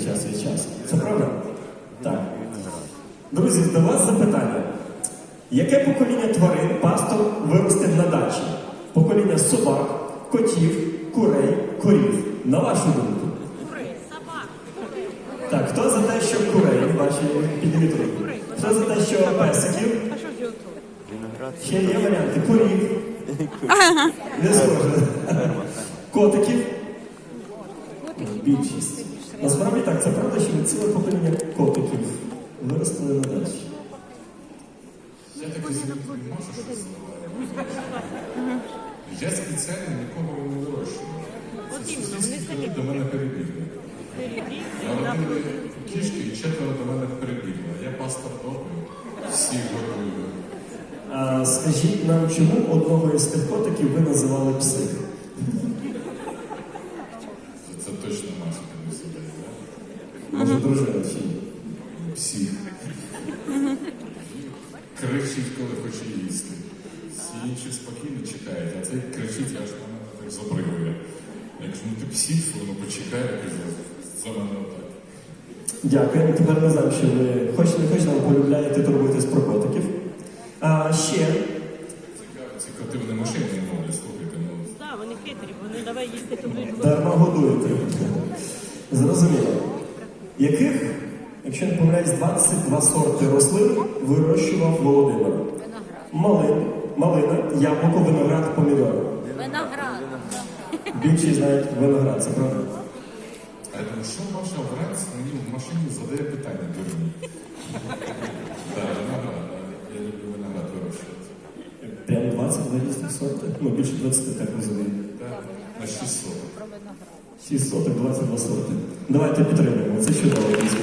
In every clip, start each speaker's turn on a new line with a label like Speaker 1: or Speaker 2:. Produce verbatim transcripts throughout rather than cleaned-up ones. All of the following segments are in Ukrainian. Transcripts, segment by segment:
Speaker 1: час від часу. Це правда? Так. Друзі, до вас запитання. Яке покоління тварин пастор виростив на дачі? Покоління собак, котів, курей, корів. На вашу думку?
Speaker 2: Курей, собак.
Speaker 1: Так, хто за те, що курей, ваші підніміть руку? Хто за те, що песиків?
Speaker 2: А що ж тут?
Speaker 1: Ще є варіанти. Корів. Не схоже. Котиків. Більшість. Насправді так, це правда, що ціле покоління котиків виростили на дачі.
Speaker 3: Я так розумію, не можу щось сказати. Я спеціально нікого не вирощую. Це сусідські до мене перебігли. Народили кішки і четверо до мене перебігли. Я пастор добрий, всіх готую.
Speaker 1: А скажіть нам, чому одного із тих котиків ви називали псих?
Speaker 3: Це, це точно наша комісія, так?
Speaker 1: Може, дружина чи ні?
Speaker 3: Всіх. Кричить, коли хоче їсти. Всі інші спокійно чекають, а цей кричить, аж на мене так забригує. Якщо ну ти псих, воно почекає, каже, за мене отак.
Speaker 1: Дякую. Тепер ми знаємо, що ви хоч не хоч нам полюбляєте турбуєтесь про котиків. А ще
Speaker 3: Цікаво, ці коти вони машини не мовлять, слухайте, ну.
Speaker 2: Так, вони хитрі, вони давай їсти туди.
Speaker 1: дарма годуєте. Зрозуміло. Яких, якщо не помиляюсь, двадцять два сорти рослин вирощував Володимир? Малин, малина, яблуко, виноград, помідор.
Speaker 2: Виноград.
Speaker 1: Більшість знають виноград, це правда?
Speaker 3: А я думаю, що ваша вранці мені в машині задає питання дурні? Так, виноград, я люблю виноград вирощувати.
Speaker 1: Прямо двадцять два різних сорти. Ну, більше двадцяти, так розумію.
Speaker 3: Так, на шістсот.
Speaker 1: шість соток, двадцять два сорти. Давайте підтримуємо, це чудово, дійсно.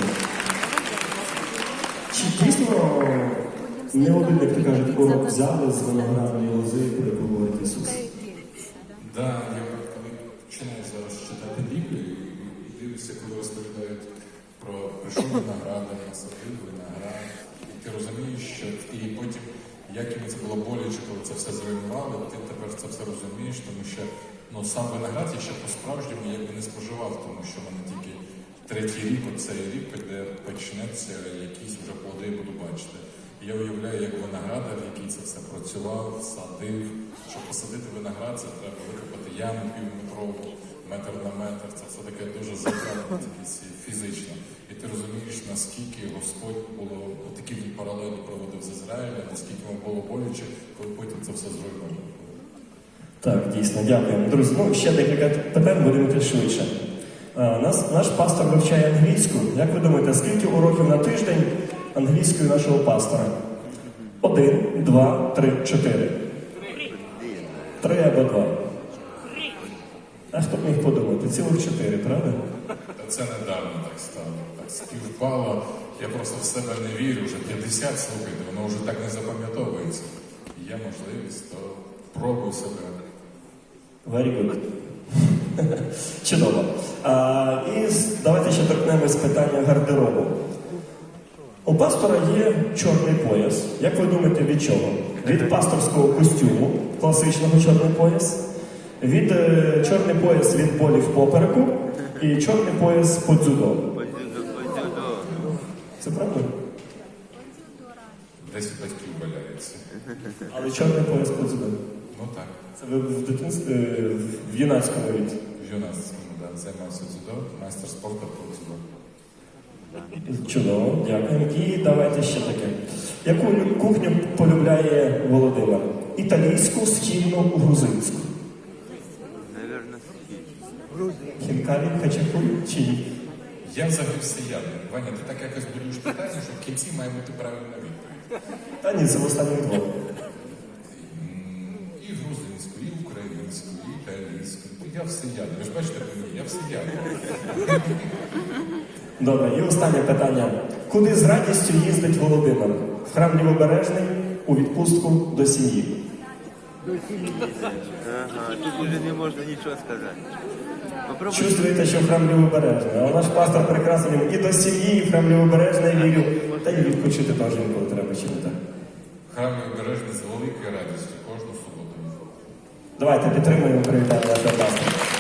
Speaker 1: Чи дійсно не один, як то кажуть, урок взяли з виноградної лози, про яку говорить Ісус?
Speaker 3: Так, я коли починаю зараз читати Біблію і дивлюся, коли розповідають про прийшов виноградар, насадив виноград, і ти розумієш, що і потім, як їм це було боляче, коли це все зруйнували, ти тепер це все розумієш, тому що ну, сам виноград я ще по-справжньому якби не споживав, тому що в мене тільки третій рік, оцей рік, де почнеться якісь вже плоди, я буду бачити. І я уявляю, як виноградар, який це все працював, садив. Щоб посадити виноград, це треба викопати яму півметрову, метр на метр. Це все таке дуже затратно фізично. І ти розумієш, наскільки Господь було такі він паралелі проводив з Ізраїлем, наскільки йому було боляче, коли потім це все зруйновано.
Speaker 1: Так, дійсно, дякуємо. Друзі, ну ще декілька питань, будемо йти швидше. А, нас, наш пастор вивчає англійську. Як ви думаєте, скільки уроків на тиждень англійської нашого пастора? Один, два, три, чотири. Три або два. А хто б міг подумати? Цілих чотири, правда?
Speaker 3: Та це недавно так стало. Так співпало. Я просто в себе не вірю. Вже п'ятдесят, слухайте, воно вже так не запам'ятовується. Є можливість, то пробуй себе.
Speaker 1: Very good. Чудово. А, і давайте ще торкнемось питання гардеробу. У пастора є чорний пояс. Як ви думаєте, від чого? Від пасторського костюму, класичного чорний пояс, від е, чорний пояс від болів попереку і чорний пояс по дзюдо. Це правда?
Speaker 3: Десь у батьків валяється.
Speaker 1: Але чорний пояс по дзюдо.
Speaker 3: Ну так.
Speaker 1: Це ви в дитинстві, е, в юнацькому віці.
Speaker 3: В юнацькому, да, займався дзюдо, майстер спорту по дзюдо.
Speaker 1: Чудово, дякую. І давайте ще таке. Яку лю- кухню полюбляє Володимир? Італійську, східну, грузинську?
Speaker 4: Наверное,
Speaker 1: Хінкалі, хачапурі чи ні?
Speaker 3: Я взагалі всеядний. Ваня, ти так якось будуєш питання, що в кінці має бути правильна відповідь.
Speaker 1: Та ні, це в останніх двох.
Speaker 3: М, І грузинську, і українську, і італійську. Я всеядний. Ви ж бачите по мені, я всеядний.
Speaker 1: Добре, і останнє питання. Куди з радістю їздить Володимир? В храм Лівобережний, у відпустку, до сім'ї?
Speaker 4: ага, тут уже не можно ничего сказать. Попробуй.
Speaker 1: Чувствуєте, що в храм Лівобережний. А наш пастор прекрасний, і до сім'ї, і в храм Лівобережний вірю. Та й відпочити теж інколи треба, чи не так?
Speaker 3: Храм обережний з великою радістю кожну суботу.
Speaker 1: Давайте підтримуємо привітання нашого пастора.